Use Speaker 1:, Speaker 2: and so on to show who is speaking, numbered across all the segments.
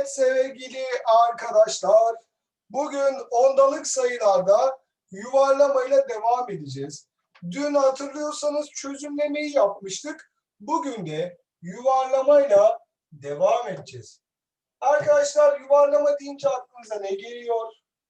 Speaker 1: Evet sevgili arkadaşlar, bugün ondalık sayılarda yuvarlamayla devam edeceğiz. Dün hatırlıyorsanız çözümlemeyi yapmıştık. Bugün de yuvarlamayla devam edeceğiz. Arkadaşlar yuvarlama deyince aklınıza ne geliyor?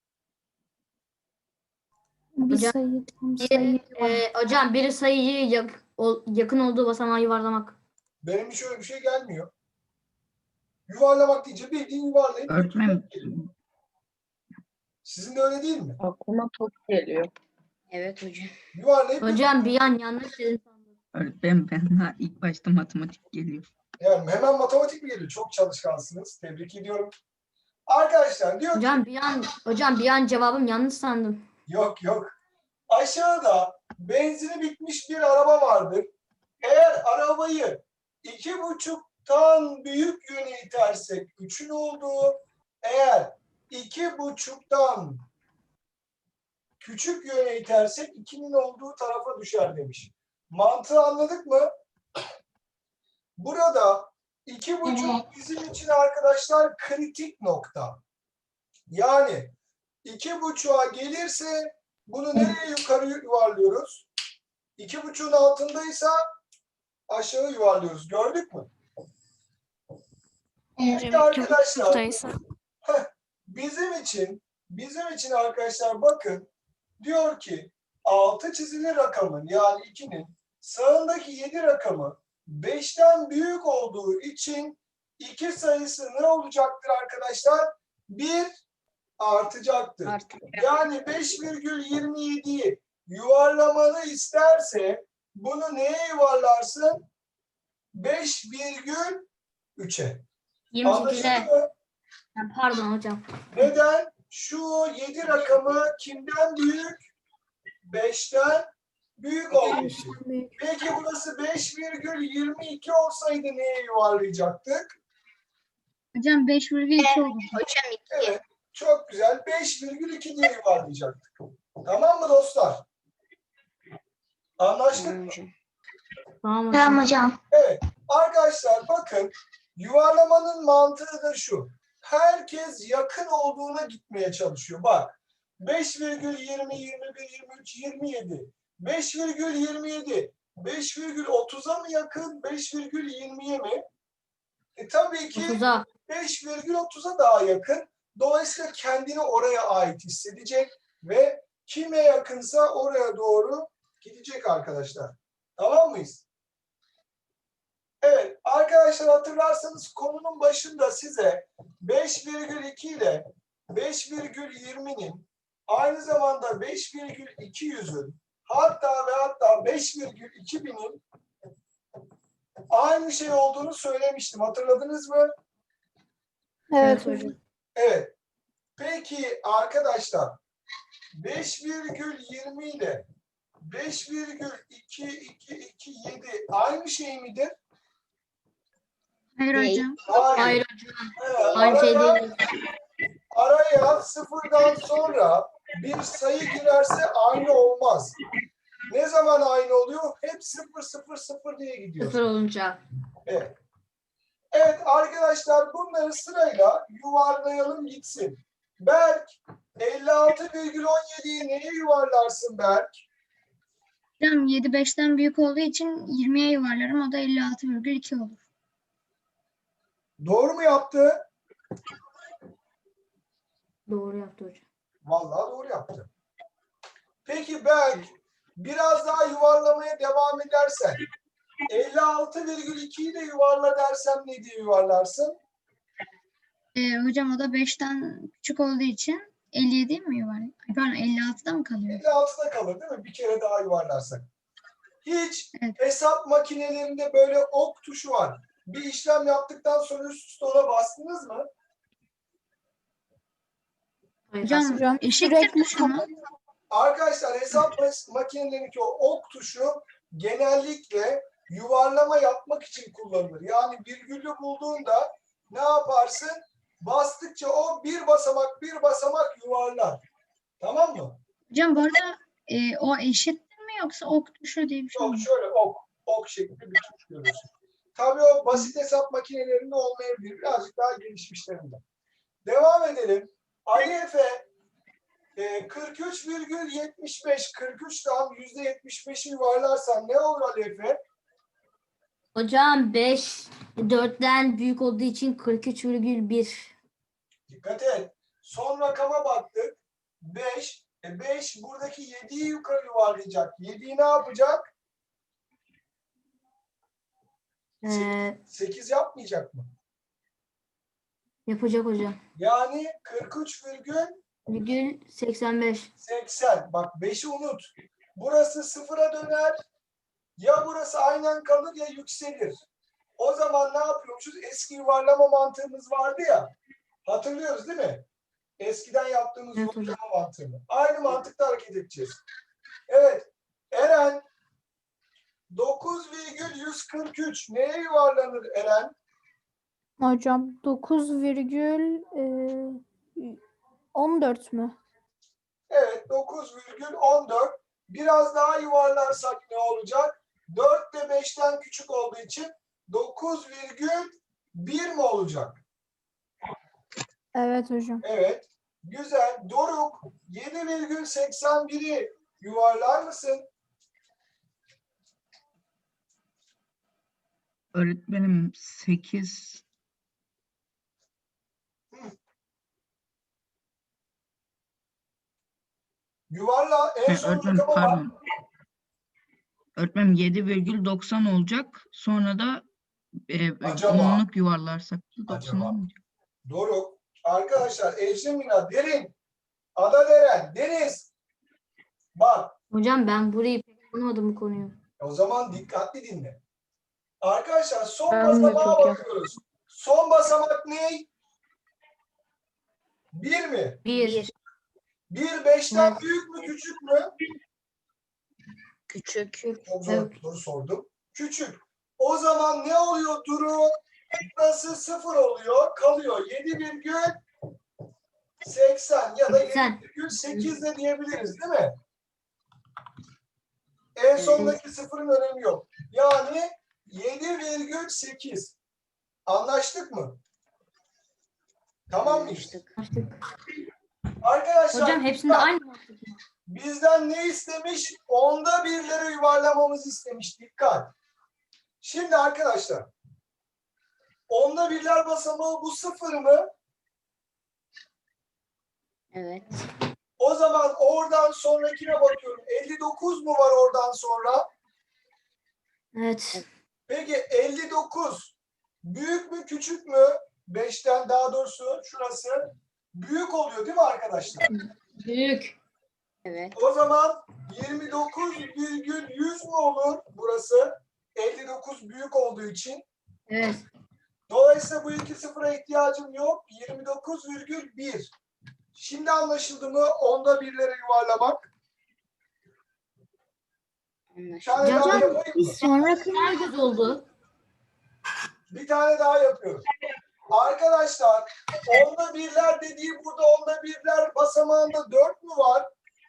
Speaker 2: Bir
Speaker 3: Hocam,
Speaker 2: sayı, tam sayı.
Speaker 3: Hocam bir sayıyı yakın olduğu basamağa yuvarlamak.
Speaker 1: Benim hiç öyle bir şey gelmiyor. Yuvarlamak deyince bildiğin yuvarlayıp
Speaker 4: Öğretmenim,
Speaker 1: sizin de öyle değil mi?
Speaker 4: aklıma top geliyor.
Speaker 3: Evet hocam.
Speaker 1: Yuvarlayıp
Speaker 3: Hocam bir an yanlış dedim sandım.
Speaker 4: Öğretmenim ben daha ilk başta matematik geliyor.
Speaker 1: yani hemen matematik mi geliyor? Çok çalışkansınız. Tebrik ediyorum. Arkadaşlar diyor ki
Speaker 3: Hocam bir an cevabım yanlış sandım.
Speaker 1: yok. Aşağıda benzini bitmiş bir araba vardır. Eğer arabayı 2,5'tan büyük yöne itersek 3'ün olduğu, eğer 2,5'tan küçük yöne itersek 2'nin olduğu tarafa düşer demiş. Mantığı anladık mı? Burada 2,5 bizim için arkadaşlar kritik nokta. Yani 2,5'a gelirse bunu nereye yukarı yuvarlıyoruz? 2,5'un altındaysa aşağı yuvarlıyoruz. Gördük mü? Peki arkadaşlar bizim için arkadaşlar bakın diyor ki 6 çizili rakamın yani 2'nin sağındaki 7 rakamı 5'ten büyük olduğu için 2 sayısı ne olacaktır arkadaşlar? 1 artacaktır. Yani 5,27'yi yuvarlamanı isterse bunu neye yuvarlarsın? 5,3'e.
Speaker 3: 28'e.
Speaker 1: Anlaşıldı mı?
Speaker 3: Pardon hocam.
Speaker 1: Neden? Şu 7 rakamı kimden büyük? 5'ten büyük olduğu için. Peki burası 5,22 olsaydı neye yuvarlayacaktık?
Speaker 2: Hocam 5,2 olur.
Speaker 3: Hocam 2.
Speaker 1: Evet. Çok güzel. 5,2 diye yuvarlayacaktık. Tamam mı dostlar? Anlaştık mı?
Speaker 3: Tamam hocam.
Speaker 1: Evet. Arkadaşlar bakın yuvarlamanın mantığı da şu. Herkes yakın olduğuna gitmeye çalışıyor. Bak 5,20, 21, 23, 27. 5,27. 5,30'a mı yakın? 5,20'ye mi? Tabii ki
Speaker 3: 30'a.
Speaker 1: 5,30'a daha yakın. Dolayısıyla kendini oraya ait hissedecek ve kime yakınsa oraya doğru gidecek arkadaşlar. Tamam mıyız? Evet arkadaşlar hatırlarsanız konunun başında size 5,2 ile 5,20'nin aynı zamanda 5,200'ün hatta ve hatta 5,2000'in aynı şey olduğunu söylemiştim. Hatırladınız mı?
Speaker 2: Evet
Speaker 3: hocam.
Speaker 1: Evet. Peki arkadaşlar 5,20 ile 5,2227 aynı şey midir?
Speaker 2: Hayır hocam.
Speaker 3: Hayır hocam.
Speaker 1: Evet,
Speaker 3: Aynı şey değil.
Speaker 1: araya sıfırdan sonra bir sayı girerse aynı olmaz. Ne zaman aynı oluyor? Hep 0 0 0 diye gidiyor.
Speaker 3: 0 olunca.
Speaker 1: Evet. Evet arkadaşlar bunları sırayla yuvarlayalım gitsin. Berk 56,17'yi neye yuvarlarsın Berk?
Speaker 2: Hocam 7 5'ten büyük olduğu için 20'ye yuvarlarım. O da 56,2 olur.
Speaker 1: Doğru mu yaptı?
Speaker 3: Doğru yaptı hocam.
Speaker 1: Vallahi doğru yaptı. Peki Berk biraz daha yuvarlamaya devam edersen 56,2'yi de yuvarla dersem ne diye yuvarlarsın?
Speaker 2: Hocam o da 5'ten küçük olduğu için 57 mi yuvarlar? Pardon 56'da mı kalıyor?
Speaker 1: 56'da kalır değil mi? Bir kere daha yuvarlarsak. Hiç
Speaker 2: Evet.
Speaker 1: hesap makinelerinde böyle ok tuşu var. Bir işlem yaptıktan sonra üst üste ona bastınız mı?
Speaker 2: Hocam eşittir tuşu mu?
Speaker 1: Arkadaşlar hesap makinelerindeki o ok tuşu genellikle yuvarlama yapmak için kullanılır. Yani virgülü bulduğunda ne yaparsın? Bastıkça o bir basamak yuvarlar. Tamam mı?
Speaker 2: Hocam bu arada o eşittir mi yoksa ok tuşu diye bir şey
Speaker 1: Yok
Speaker 2: mi?
Speaker 1: şöyle ok şeklinde bir tuş görürsün. Tabii o basit hesap makinelerinde olmayabilir. Birazcık daha gelişmişlerinde. Devam edelim. Ali Efe 43,75 43'ten %75'i yuvarlarsan ne olur Ali Efe?
Speaker 3: Hocam 5 4'ten büyük olduğu için 43,1.
Speaker 1: Dikkat et. Son rakama baktık. 5. 5 buradaki 7'yi yukarı yuvarlayacak. 7'yi ne yapacak?
Speaker 3: Ee,
Speaker 1: 8 yapmayacak mı?
Speaker 3: yapacak hocam.
Speaker 1: Yani 43,80.
Speaker 3: 85.
Speaker 1: Bak 5'i unut. Burası sıfıra döner. Ya burası aynen kalır ya yükselir. O zaman ne yapıyormuşuz? Eski yuvarlama mantığımız vardı ya. Hatırlıyoruz değil mi? Eskiden yaptığımız
Speaker 3: Evet
Speaker 1: yuvarlama mantığını. Aynı mantıkla hareket edeceğiz. Evet. Eren 9,143 neye yuvarlanır Eren?
Speaker 5: Hocam 9,14 mü?
Speaker 1: Evet 9,14. Biraz daha yuvarlarsak ne olacak? 4 de 5'ten küçük olduğu için 9,1 mi olacak?
Speaker 5: Evet hocam.
Speaker 1: Evet. Güzel. Doruk 7,81'i yuvarlar mısın?
Speaker 4: Öğretmenim 8.
Speaker 1: Yuvarla. En son
Speaker 4: Öğretmenim
Speaker 1: rakama bak.
Speaker 4: pardon. Öğretmenim 7,90 olacak. Sonra da
Speaker 1: Acaba?
Speaker 4: onluk yuvarlarsak da 90
Speaker 1: Acaba?
Speaker 4: olmayacak.
Speaker 1: Doruk. Arkadaşlar Ecrin Mina, Derin, Ada Deren, Deniz. Bak.
Speaker 3: Hocam ben burayı pek anlamadım bu konuyu.
Speaker 1: O zaman dikkatli dinle. Arkadaşlar son
Speaker 5: Ben de
Speaker 1: basamağa
Speaker 5: çok
Speaker 1: bakıyoruz. Son basamak ne? 1 mi?
Speaker 3: 1.
Speaker 1: 1 5'ten
Speaker 3: Evet.
Speaker 1: büyük mü küçük mü?
Speaker 6: Küçük.
Speaker 1: Çok zor
Speaker 3: Evet.
Speaker 1: soru sordum. Küçük. O zaman ne oluyor Duru? Burası 0 oluyor. Kalıyor 7,80 ya da
Speaker 3: 80.
Speaker 1: 7,8 de diyebiliriz değil mi? En sondaki sıfırın önemi yok. Yani 7,8. Anlaştık mı? Tamam mıyız?
Speaker 3: Açtık.
Speaker 1: Arkadaşlar
Speaker 3: Hocam hepsinde aynı mantık.
Speaker 1: bizden ne istemiş? Onda birleri yuvarlamamızı istemiş. Dikkat. Şimdi arkadaşlar onda birler basamağı bu 0 mı?
Speaker 6: Evet.
Speaker 1: O zaman oradan sonrakine bakıyorum. 59 mu var oradan sonra?
Speaker 3: Evet.
Speaker 1: Peki 59 büyük mü küçük mü? 5'ten daha doğrusu şurası büyük oluyor değil mi arkadaşlar?
Speaker 3: Büyük.
Speaker 6: Evet.
Speaker 1: O zaman 29,100 mu olur burası? 59 büyük olduğu için.
Speaker 3: Evet.
Speaker 1: Dolayısıyla bu iki sıfıra ihtiyacım yok. 29,1. Şimdi anlaşıldı mı? Onda birlere yuvarlamak. Bir tane
Speaker 6: Anlaşıldı.
Speaker 1: daha
Speaker 3: Hocam,
Speaker 1: yapayım mı?
Speaker 3: Daha güzel oldu.
Speaker 1: Bir tane daha yapıyorum. Arkadaşlar onda birler dediği burada onda birler basamağında 4 mü var?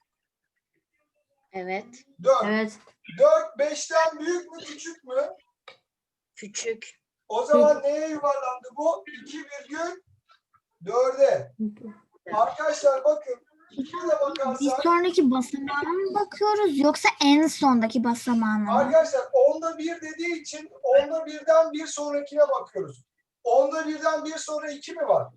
Speaker 6: Evet.
Speaker 1: 4.
Speaker 3: Evet.
Speaker 1: 4 5'ten büyük mü küçük mü?
Speaker 6: Küçük.
Speaker 1: O zaman neye yuvarlandı bu? 2,4'e. Arkadaşlar bakın 2'ye de
Speaker 2: Bir
Speaker 1: bakarsak
Speaker 2: sonraki basamağına mı bakıyoruz yoksa en sondaki basamağına mı?
Speaker 1: arkadaşlar onda bir dediği için onda birden bir sonrakine bakıyoruz. Onda birden bir sonra 2 mi var?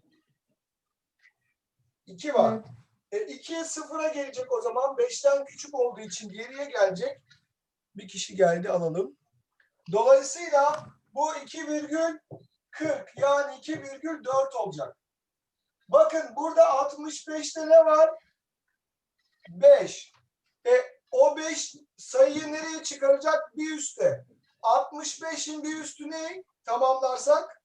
Speaker 1: 2 var. 2'ye 0'a gelecek o zaman. 5'ten küçük olduğu için geriye gelecek. Bir kişi geldi alalım. Dolayısıyla bu 2,40 yani 2,4 olacak. Bakın burada 65'te ne var? 5. O 5 sayıyı nereye çıkaracak? Bir üste. 65'in bir üstü ne? Tamamlarsak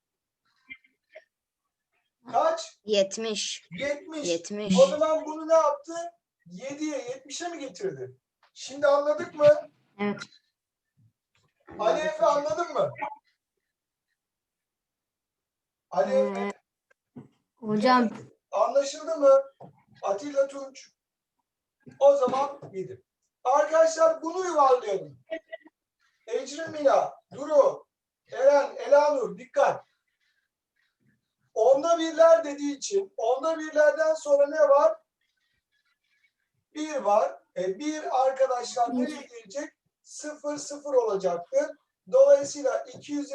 Speaker 1: kaç?
Speaker 6: 70.
Speaker 1: 70.
Speaker 6: 70.
Speaker 1: O zaman bunu ne yaptı? 7'ye 70'e mi getirdi? Şimdi anladık mı?
Speaker 3: Evet.
Speaker 1: Ali Efe anladın mı? Ali Efe
Speaker 3: Hocam
Speaker 1: anlaşıldı mı? Atilla Tunç. O zaman 7. Arkadaşlar bunu yuvarlayalım. Ecrin Mina, Duru, Eren, Elanur dikkat. Onda birler dediği için onda birlerden sonra ne var? 1 var. 1 arkadaşlar nereye gelecek? 0 0 olacaktır. Dolayısıyla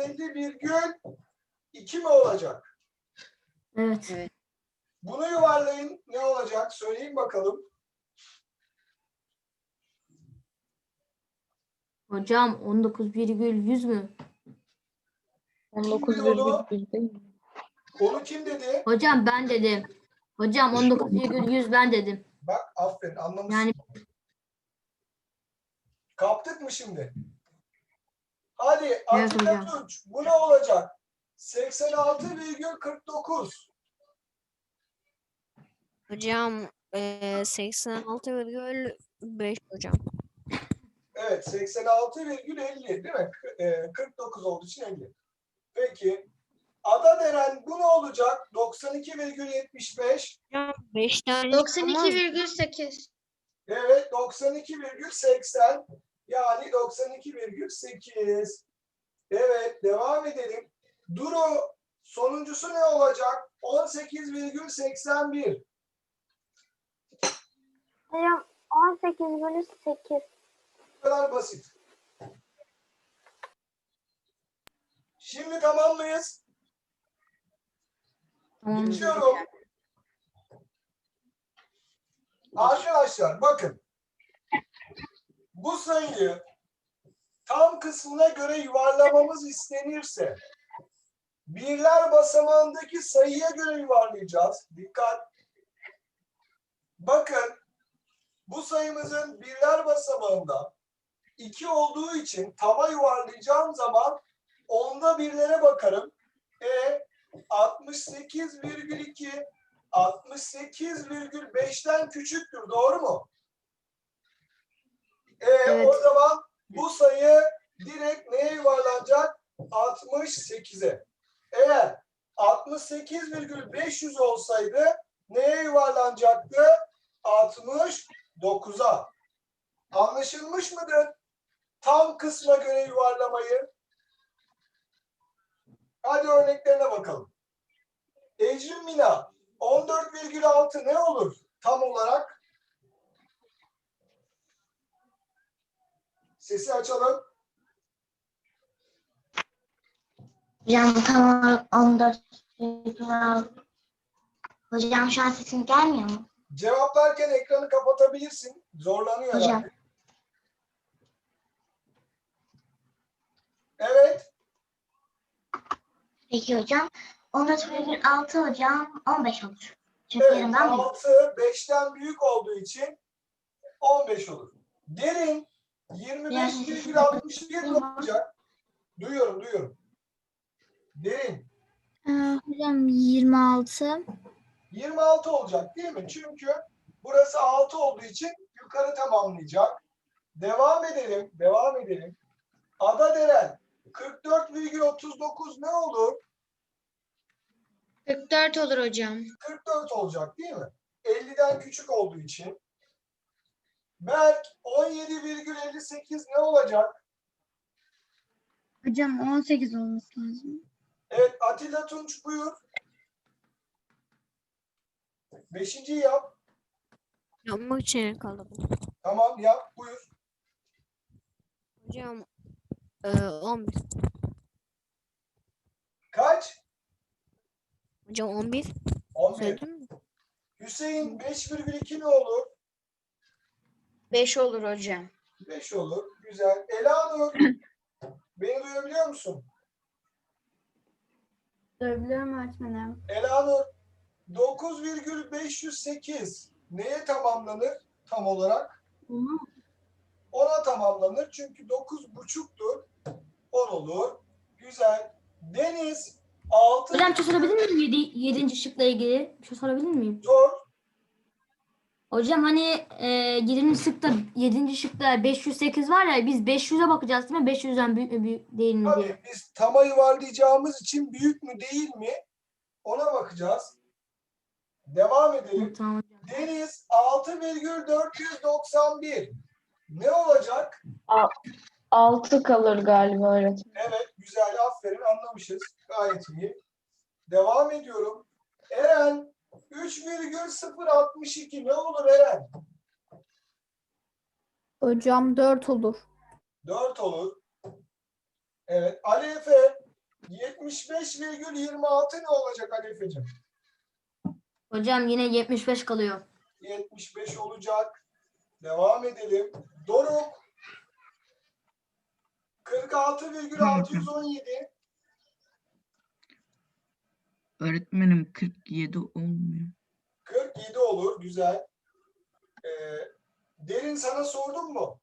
Speaker 1: 250,2 mi olacak?
Speaker 3: Evet.
Speaker 6: Evet.
Speaker 1: Bunu yuvarlayın. Ne olacak? Söyleyin bakalım.
Speaker 3: Hocam 19,100 mü?
Speaker 1: Kim diyor onu? Onu kim dedi?
Speaker 3: Hocam ben dedim. Hocam 19,100 ben dedim.
Speaker 1: Bak aferin anlamışsın.
Speaker 3: Yani
Speaker 1: Kaptık mı şimdi? Hadi
Speaker 3: Evet
Speaker 1: Atilla
Speaker 3: hocam.
Speaker 1: Tunç. Bu ne olacak? 86,49.
Speaker 7: Hocam 86,5 hocam.
Speaker 1: Evet 86,50 değil mi? 49 olduğu için 50. Peki. Adaderen bu ne olacak? 92,75.
Speaker 7: Hocam 5 tane olmaz mı?
Speaker 2: 92,8.
Speaker 1: Evet 92,80. Yani 92,8. Evet devam edelim. Duru sonuncusu ne olacak? 18,81.
Speaker 5: Hocam 18/8.
Speaker 1: Bu kadar basit. Şimdi tamam mıyız?
Speaker 3: Tamam.
Speaker 1: Geçiyorum. Arkadaşlar bakın. Bu sayıyı tam kısmına göre yuvarlamamız istenirse birler basamağındaki sayıya göre yuvarlayacağız. Dikkat. Bakın bu sayımızın birler basamağında 2 olduğu için tava yuvarlayacağım zaman onda birlere bakarım. 68,2 68,5'ten küçüktür. Doğru mu?
Speaker 3: Evet.
Speaker 1: O zaman bu sayı direkt neye yuvarlanacak? 68'e. Eğer 68,500 olsaydı neye yuvarlanacaktı? 69'a. Anlaşılmış mıdır? Tam kısma göre yuvarlamayı. Hadi örneklerine bakalım. Ecrin Mina 14,6 ne olur tam olarak? Sesi açalım.
Speaker 8: Hocam tam olarak 14,6. Hocam şu an sesim gelmiyor mu?
Speaker 1: Cevaplarken ekranı kapatabilirsin. Zorlanıyor
Speaker 8: Hocam.
Speaker 1: herhalde. Evet.
Speaker 8: Peki hocam. 14,6 hocam 15 olur. Çünkü
Speaker 1: Evet.
Speaker 8: yarımdan büyük.
Speaker 1: 6 5'ten büyük olduğu için 15 olur. Derin 25,61 ne olacak? Duyuyorum. Derin
Speaker 2: Hocam 26.
Speaker 1: 26 olacak değil mi? Çünkü burası 6 olduğu için yukarı tamamlayacak. Devam edelim. Adaderen 44,39 ne olur?
Speaker 2: 44 olur hocam.
Speaker 1: 44 olacak değil mi? 50'den küçük olduğu için. Berk 17,58 ne olacak?
Speaker 2: Hocam 18 olması lazım.
Speaker 1: Evet Atilla Tunç buyur. 5.'yi yap.
Speaker 7: Yapmak için kaldım.
Speaker 1: Tamam yap buyur.
Speaker 7: Hocam 11.
Speaker 1: Kaç?
Speaker 7: Hocam 11.
Speaker 1: 11.
Speaker 7: Söyledim mi?
Speaker 1: Hüseyin 5,2 ne olur?
Speaker 6: 5 olur hocam.
Speaker 1: 5 olur. Güzel. Elanur beni duyabiliyor musun?
Speaker 2: Duyabiliyorum öğretmenim.
Speaker 1: Elanur 9,508 neye tamamlanır tam olarak? 10'a tamamlanır. Çünkü 9,5'tur. 10 olur. Güzel. Deniz 6
Speaker 3: Hocam bir şey sorabilir miyim? 7. şıkla ilgili bir şey sorabilir miyim?
Speaker 1: zor.
Speaker 3: Hocam hani 7. şıkta 508 var ya, biz 500'e bakacağız değil mi? 500'den büyük mü büyük değil mi diye.
Speaker 1: Tabii biz tama yuvarlayacağımız için büyük mü değil mi? Ona bakacağız. Devam edelim.
Speaker 3: Tamam hocam.
Speaker 1: Deniz 6,491 ne olacak?
Speaker 9: 6 kalır galiba öğretmenim.
Speaker 1: Evet, güzel, aferin, anlamışız. Gayet iyi. Devam ediyorum. Eren, 3,062 ne olur Eren?
Speaker 10: Hocam 4 olur.
Speaker 1: 4 olur. Evet, Ali Efe, 75,26 ne olacak Ali Efe'cim?
Speaker 3: Hocam yine 75 kalıyor.
Speaker 1: 75 olacak. Devam edelim. Doruk, 46,617.
Speaker 4: Öğretmenim 47 olmuyor.
Speaker 1: 47 olur. Güzel. Derin sana sordum mu?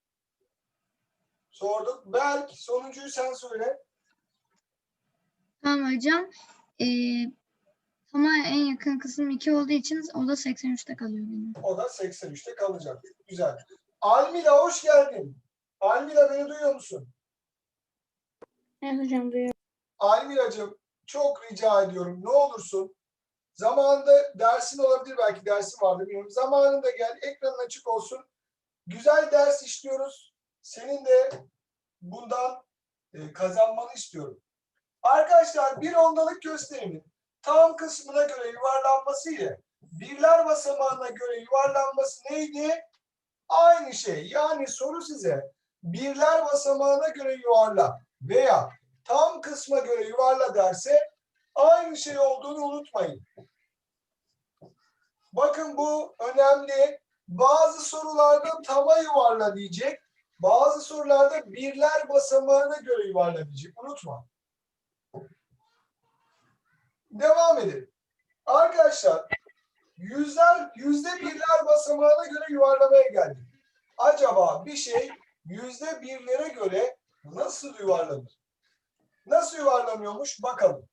Speaker 1: Sorduk. Berk sonuncuyu sen söyle.
Speaker 2: Tamam hocam. Ama en yakın kısım 2 olduğu için o da 83'te kalıyor benim.
Speaker 1: O da 83'te kalacak. Güzel. Almila hoş geldin. Almila beni duyuyor musun?
Speaker 5: Evet hocam duyuyorum.
Speaker 1: Almilacığım çok rica ediyorum. Ne olursun. Zamanında dersin olabilir, belki dersin vardı bilmiyorum. Zamanında gel, ekranın açık olsun. Güzel ders işliyoruz. Senin de bundan kazanmanı istiyorum. Arkadaşlar bir ondalık gösterimin tam kısmına göre yuvarlanması ile birler basamağına göre yuvarlanması neydi? Aynı şey. Yani soru size birler basamağına göre yuvarla veya tam kısma göre yuvarla derse aynı şey olduğunu unutmayın. Bakın bu önemli. Bazı sorularda tama yuvarla diyecek. Bazı sorularda birler basamağına göre yuvarla diyecek. Unutma. Devam edelim. Arkadaşlar yüzde birler basamağına göre yuvarlamaya geldik. Acaba bir şey yüzde birlere göre nasıl yuvarlanır? Nasıl yuvarlanıyormuş bakalım.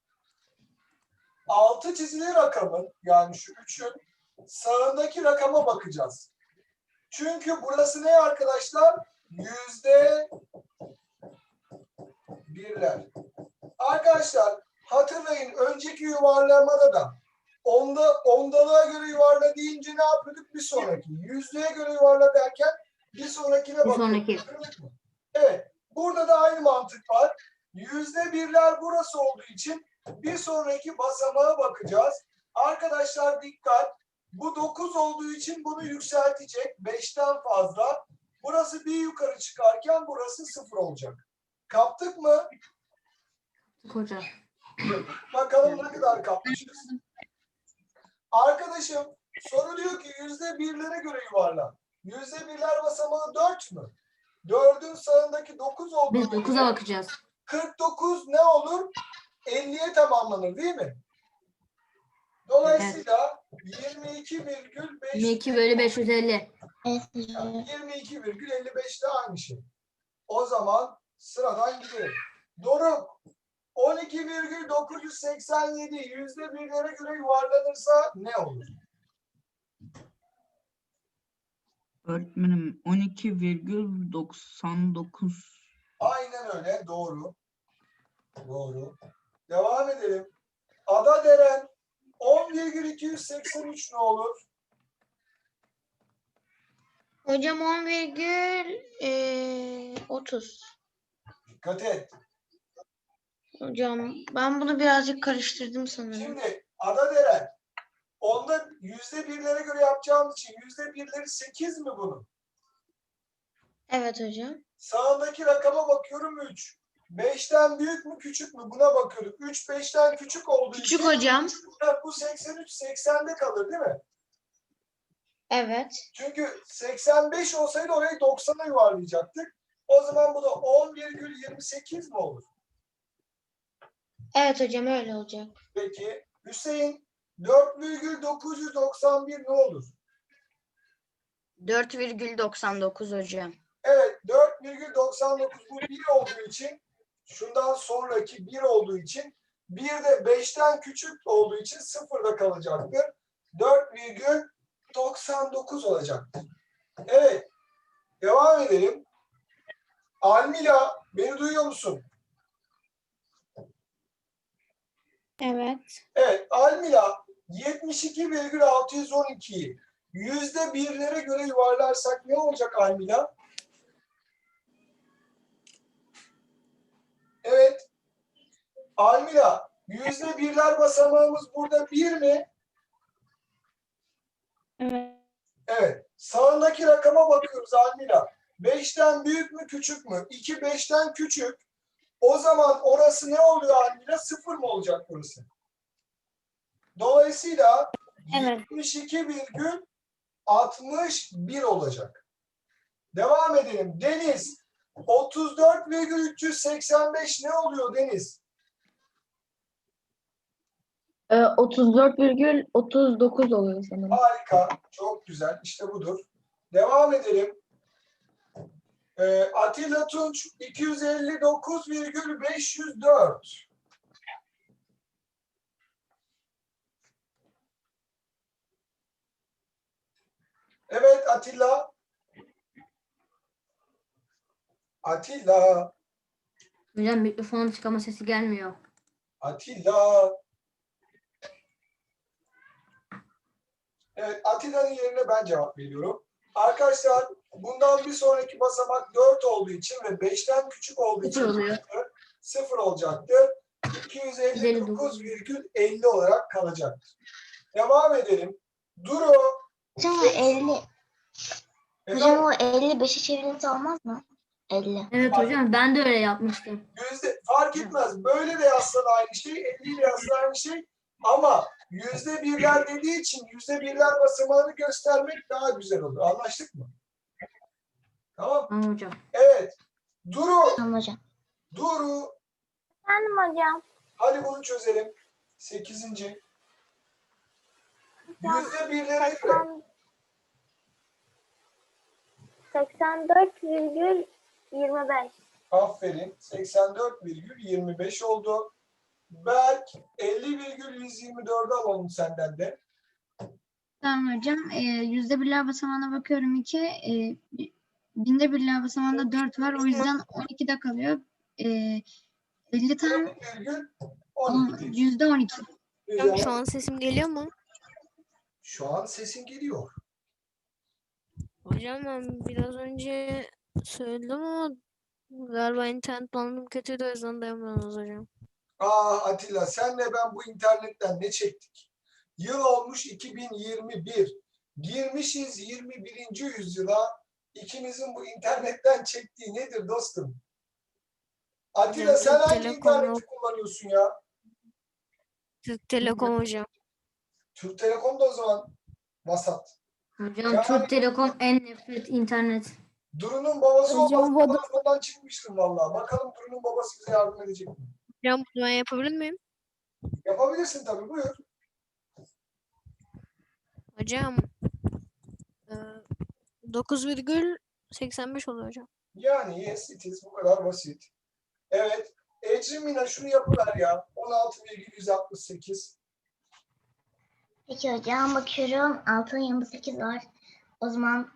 Speaker 1: 6 çizili rakamın yani şu 3'ün sağındaki rakama bakacağız. Çünkü burası ne arkadaşlar? Yüzde birler. Arkadaşlar hatırlayın önceki yuvarlamada da ondalığa göre yuvarla deyince ne yapıyorduk? Bir sonraki. Yüzdeye göre yuvarla derken bir sonrakine
Speaker 3: Bir
Speaker 1: bakıyorduk.
Speaker 3: sonraki.
Speaker 1: Evet. Burada da aynı mantık var. Yüzde birler burası olduğu için bir sonraki basamağa bakacağız. Arkadaşlar dikkat. Bu 9 olduğu için bunu yükseltecek. 5'ten fazla. Burası bir yukarı çıkarken burası 0 olacak. Kaptık mı?
Speaker 3: Hocam.
Speaker 1: Bakalım ne kadar kapmışız. Arkadaşım soru diyor ki yüzde birlere göre yuvarla. Yüzde birler basamağı 4 mü? 4'ün sağındaki 9 olduğu
Speaker 3: Biz
Speaker 1: için
Speaker 3: 9'a bakacağız.
Speaker 1: 49 ne olur? 50'ye tamamlanır değil mi? Dolayısıyla 22,5
Speaker 3: 22 bölü 550.
Speaker 8: Evet hocam.
Speaker 1: 22,55 de aynı şey. O zaman sıradan gidelim. Doruk 12,987 yüzde birlere göre yuvarlanırsa ne olur?
Speaker 4: Öğretmenim 12,99.
Speaker 1: Aynen öyle. Doğru. Doğru. Devam edelim. Ada Deren 10,283 ne olur?
Speaker 6: Hocam 10,30.
Speaker 1: Dikkat et.
Speaker 6: Hocam ben bunu birazcık karıştırdım sanırım.
Speaker 1: Şimdi Ada Deren onda yüzde birlere göre yapacağımız için yüzde birleri 8 mi bunun?
Speaker 6: Evet hocam.
Speaker 1: Sağındaki rakama bakıyorum 3. 5'ten büyük mü küçük mü buna bakıyorduk. 3 5'ten küçük olduğu
Speaker 6: Küçük
Speaker 1: için
Speaker 6: hocam.
Speaker 1: bu 83 80'de kalır değil mi?
Speaker 6: Evet.
Speaker 1: Çünkü 85 olsaydı orayı 90'a yuvarlayacaktık. O zaman bu da 10,28 mi olur?
Speaker 6: Evet hocam öyle olacak.
Speaker 1: Peki Hüseyin 4,991 ne olur?
Speaker 6: 4,99 hocam.
Speaker 1: Evet 4,99 bu 1 olduğu için şundan sonraki 1 olduğu için 1 de 5'ten küçük olduğu için 0'da kalacaktır. 4,99 olacaktır. Evet. Devam edelim. Almila beni duyuyor musun?
Speaker 5: Evet.
Speaker 1: Evet. Almila 72,612'yi yüzde birlere göre yuvarlarsak ne olacak Almila? Almila, yüzde birler basamağımız burada 1 mi?
Speaker 5: Evet.
Speaker 1: Evet. Sağındaki rakama bakıyoruz Almila. 5'ten büyük mü küçük mü? 2 5'ten küçük. O zaman orası ne oluyor Almila? 0 mı olacak burası? Dolayısıyla
Speaker 5: Evet.
Speaker 1: 72,61 olacak. Devam edelim. Deniz, 34,385 ne oluyor Deniz?
Speaker 9: 34,39 oluyor sanırım.
Speaker 1: Harika. Çok güzel. İşte budur. Devam edelim. Atilla Tunç, 259,504. Evet Atilla. Atilla.
Speaker 3: Hocam mikrofonun çıkama sesi gelmiyor.
Speaker 1: Atilla. Evet, Atilla'nın yerine ben cevap veriyorum. Arkadaşlar, bundan bir sonraki basamak 4 olduğu için ve 5'ten küçük olduğu için
Speaker 3: Sıfır oluyor.
Speaker 1: 0 olacaktır. 259,50 olarak kalacaktır. Devam edelim. Duru.
Speaker 8: Hocam o 50. Hocam
Speaker 1: Efendim,
Speaker 8: o 55'i çevirince olmaz mı? 50.
Speaker 3: Evet hocam ben de öyle yapmıştım.
Speaker 1: fark etmez. Böyle de yazsan aynı şey, 50 ile yazsan aynı şey. Ama yüzde birler dediği için yüzde birler basamağını göstermek daha güzel olur. Anlaştık mı? Tamam.
Speaker 3: Tamam hocam.
Speaker 1: Evet. Duru.
Speaker 8: Tamam hocam.
Speaker 1: Duru.
Speaker 5: Efendim hocam.
Speaker 1: Hadi bunu çözelim. 8. Yüzde birlere göre.
Speaker 5: 84,25.
Speaker 1: Aferin. 84,25 oldu. Berk 50,124'ü alalım senden de.
Speaker 2: Tamam hocam. Yüzde birler basamağına bakıyorum 2. Binde birler basamağında 4 var. O yüzden 12'de kalıyor. 50 tam
Speaker 1: 4,12.
Speaker 2: yüzde 12.
Speaker 7: Hocam şu
Speaker 1: Güzel.
Speaker 7: an sesim geliyor mu?
Speaker 1: Şu an sesin geliyor.
Speaker 7: Hocam ben biraz önce söyledim ama galiba internet bağlantım kötüydü, o yüzden dayanamıyoruz hocam.
Speaker 1: Atilla senle ben bu internetten ne çektik? Yıl olmuş 2021. Girmişiz 21. yüzyıla. İkimizin bu internetten çektiği nedir dostum? Atilla
Speaker 7: Hocam,
Speaker 1: sen
Speaker 7: Türk
Speaker 1: hangi
Speaker 7: Telekom
Speaker 1: interneti
Speaker 7: yok.
Speaker 1: kullanıyorsun ya?
Speaker 7: Türk Telekom hocam.
Speaker 1: Türk Telekom da o zaman vasat.
Speaker 3: Hocam
Speaker 1: Yani-
Speaker 3: Türk Telekom en nefret internet.
Speaker 1: Duru'nun babası
Speaker 5: Hocam,
Speaker 1: olmasa
Speaker 5: Vodafone-
Speaker 1: telefondan çıkmıştım vallahi. Bakalım Duru'nun babası bize yardım edecek mi?
Speaker 7: Hocam bunu ben yapabilir miyim?
Speaker 1: Yapabilirsin tabii, buyur.
Speaker 7: Hocam 9,85 oluyor hocam.
Speaker 1: Yani yes it is, bu kadar basit. Evet. Ecrin Mina şunu yapıver ya. 16,168.
Speaker 8: Peki hocam bakıyorum 6'nın yanında 8 var. O zaman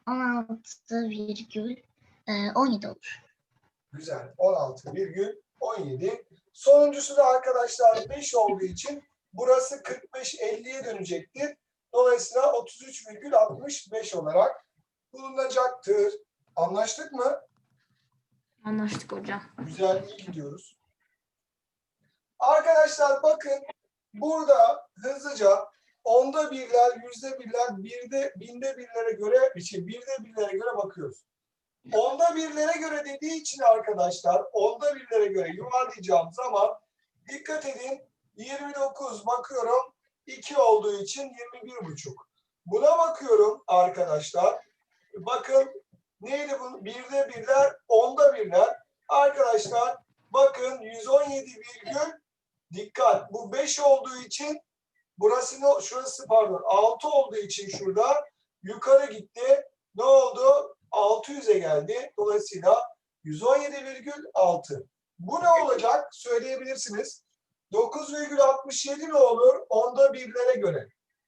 Speaker 8: 16,17 olur.
Speaker 1: Güzel. 16,17. Sonuncusu da arkadaşlar 5 olduğu için burası 45-50'ye dönecektir. Dolayısıyla 33,65 olarak bulunacaktır. Anlaştık mı?
Speaker 3: Anlaştık hocam.
Speaker 1: Güzel, iyi gidiyoruz. Arkadaşlar bakın burada hızlıca onda birler, yüzde birler, binde birlere göre, birde birlere göre bakıyoruz. Onda birlere göre dediği için arkadaşlar, onda birlere göre yuvarlayacağım zaman dikkat edin, 29 bakıyorum 2 olduğu için 21,5. Buna bakıyorum arkadaşlar. Bakın neydi bu? Birde birler, onda birler. Arkadaşlar bakın 117 virgül, dikkat, bu 5 olduğu için şurası pardon 6 olduğu için şurada yukarı gitti. Ne oldu? 600'e geldi. Dolayısıyla 117,6. Bu ne olacak? Söyleyebilirsiniz. 9,67 ne olur? Onda birlere göre.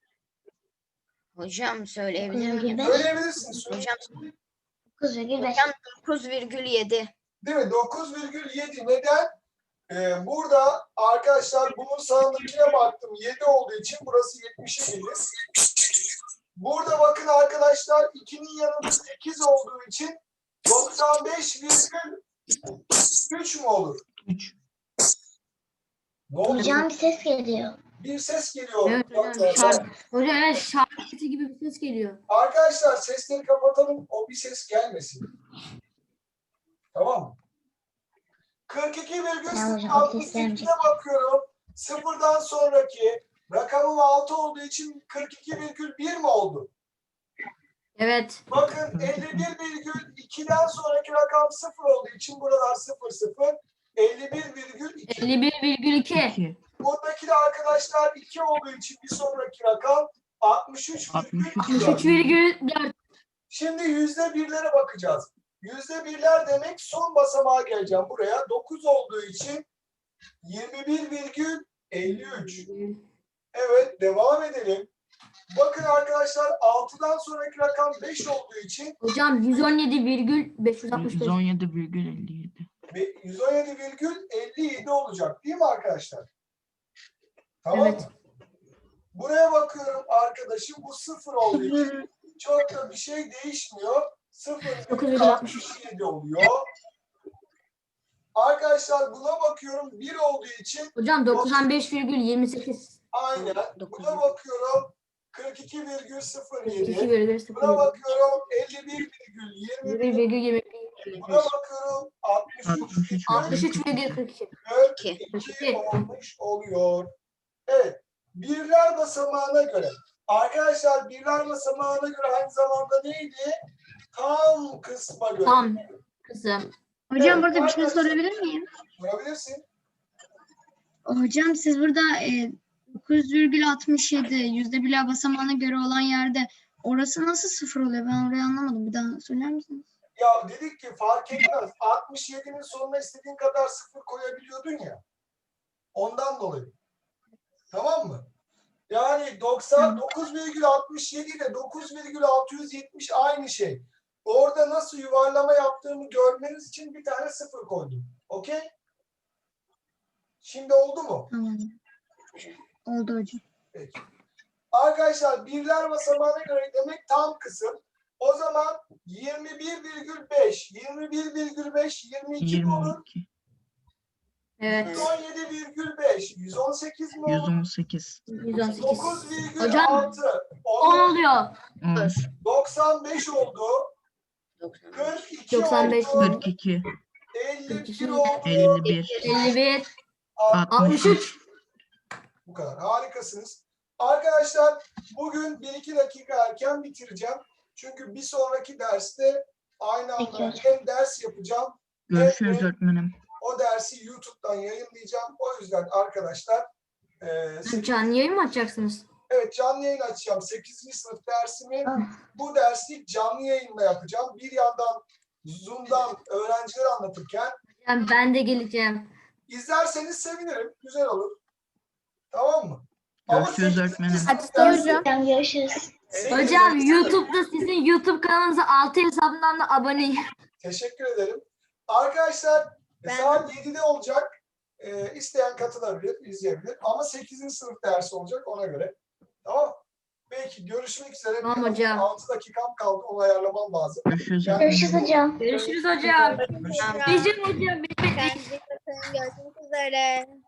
Speaker 10: Hocam söyleyebilir miyim?
Speaker 8: 9,5.
Speaker 1: Söyleyebilirsiniz.
Speaker 10: Hocam
Speaker 8: 9,5.
Speaker 10: hocam 9,7.
Speaker 1: Değil mi? 9,7. Neden? Burada arkadaşlar bunun sağındakine baktım. 7 olduğu için burası 70'e gelir. Burada bakın arkadaşlar 2'nin yanında 8 olduğu için 95,3 mü olur?
Speaker 4: 3.
Speaker 1: Ne oldu?
Speaker 8: Hocam bir ses geliyor.
Speaker 1: Bir ses geliyor.
Speaker 3: Evet hocam. Hocam evet şarkı sesi gibi bir ses geliyor.
Speaker 1: Arkadaşlar sesleri kapatalım. O bir ses gelmesin. Tamam mı?
Speaker 8: Tamam hocam, seslerim
Speaker 1: 42,62'de bakıyorum. Sıfırdan sonraki rakamım 6 olduğu için 42,1 mi oldu?
Speaker 3: Evet.
Speaker 1: Bakın 51,2'den sonraki rakam 0 olduğu için buralar 0 0. 51,2.
Speaker 3: 51,2.
Speaker 4: 2.
Speaker 1: Buradaki de arkadaşlar 2 olduğu için bir sonraki rakam 63,4.
Speaker 3: 63,4.
Speaker 1: Şimdi %1'lere bakacağız. %1'ler demek son basamağa geleceğim buraya. 9 olduğu için 21,53. Evet, devam edelim. Bakın arkadaşlar 6'dan sonraki rakam 5 olduğu için
Speaker 3: Hocam 117,565.
Speaker 4: 117,57.
Speaker 1: 117,57 olacak değil mi arkadaşlar? Tamam
Speaker 3: Evet.
Speaker 1: mı? Buraya bakıyorum arkadaşım, bu 0 olduğu için çok da bir şey değişmiyor. 0,67 oluyor. Arkadaşlar buna bakıyorum 1 olduğu için
Speaker 3: Hocam 95,28.
Speaker 1: aynen. Buna bakıyorum 42,07.
Speaker 3: 2,0.
Speaker 1: Buna bakıyorum 51,21.
Speaker 3: 1,20.
Speaker 1: Buna bakıyorum
Speaker 3: 63,42.
Speaker 1: 42 olmuş oluyor. Evet. Birler basamağına göre. Arkadaşlar birler basamağına göre aynı zamanda neydi? Tam kısma göre.
Speaker 3: Tam kısım.
Speaker 2: Hocam
Speaker 1: Evet,
Speaker 2: burada bir şey
Speaker 1: arkadaşlar.
Speaker 2: sorabilir miyim?
Speaker 1: Sorabilirsin.
Speaker 2: Hocam siz burada 9,67 %1'ler basamağına göre olan yerde orası nasıl 0 oluyor? Ben orayı anlamadım. Bir daha söyler misiniz?
Speaker 1: Ya dedik ki fark etmez. 67'nin sonuna istediğin kadar 0 koyabiliyordun ya. Ondan dolayı. Tamam mı? Yani 99,67 ile 9,670 aynı şey. Orada nasıl yuvarlama yaptığımı görmeniz için bir tane 0 koydum. Okey? Şimdi oldu mu?
Speaker 2: Tamam. Oldu hocam.
Speaker 1: Peki. Arkadaşlar birler basamağına göre demek tam kısım. O zaman 21,5, 21,5, 22 mi olur?
Speaker 4: 22.
Speaker 3: Evet.
Speaker 1: 117,5, 118 mi olur?
Speaker 4: 118.
Speaker 3: 118.
Speaker 1: 9,6,
Speaker 3: Hocam, 10 oluyor.
Speaker 4: 10.
Speaker 1: 95 oldu. 42
Speaker 3: 95
Speaker 1: oldu.
Speaker 4: 42.
Speaker 1: 51 oldu.
Speaker 4: 51.
Speaker 3: 51.
Speaker 1: 63.
Speaker 3: 63.
Speaker 1: Bu kadar. Harikasınız. Arkadaşlar bugün 1-2 dakika erken bitireceğim. Çünkü bir sonraki derste aynı anda hem ders yapacağım
Speaker 4: Görüşürüz öğretmenim.
Speaker 1: o dersi YouTube'dan yayınlayacağım. O yüzden arkadaşlar
Speaker 3: Canlı yayın mı açacaksınız?
Speaker 1: evet canlı yayın açacağım. 8. sınıf dersimi bu dersi canlı yayınla yapacağım. Bir yandan Zoom'dan öğrenciler anlatırken
Speaker 3: Yani ben de geleceğim.
Speaker 1: izlerseniz sevinirim. Güzel olur. Tamam mı?
Speaker 4: Görüşürüz
Speaker 1: 8.
Speaker 4: öğretmenim.
Speaker 1: sınıf dersi-
Speaker 8: Hocam görüşürüz.
Speaker 3: Hocam YouTube'da sizin YouTube kanalınıza 6 hesabından da aboneyim.
Speaker 1: Teşekkür ederim. Arkadaşlar saat 7'de olacak. İsteyen katılabilir, izleyebilir. Ama 8. sınıf dersi olacak ona göre. Tamam. Peki görüşmek üzere.
Speaker 3: Tamam
Speaker 1: Benim
Speaker 3: hocam.
Speaker 1: 6 dakikam kaldı. Onu ayarlamam lazım.
Speaker 4: Görüşürüz
Speaker 1: Yani-
Speaker 8: Görüşürüz hocam.
Speaker 3: Görüşürüz hocam.
Speaker 1: Görüşürüz.
Speaker 3: Bizim hocam.
Speaker 10: Kendinize bakın. Görüşmek üzere.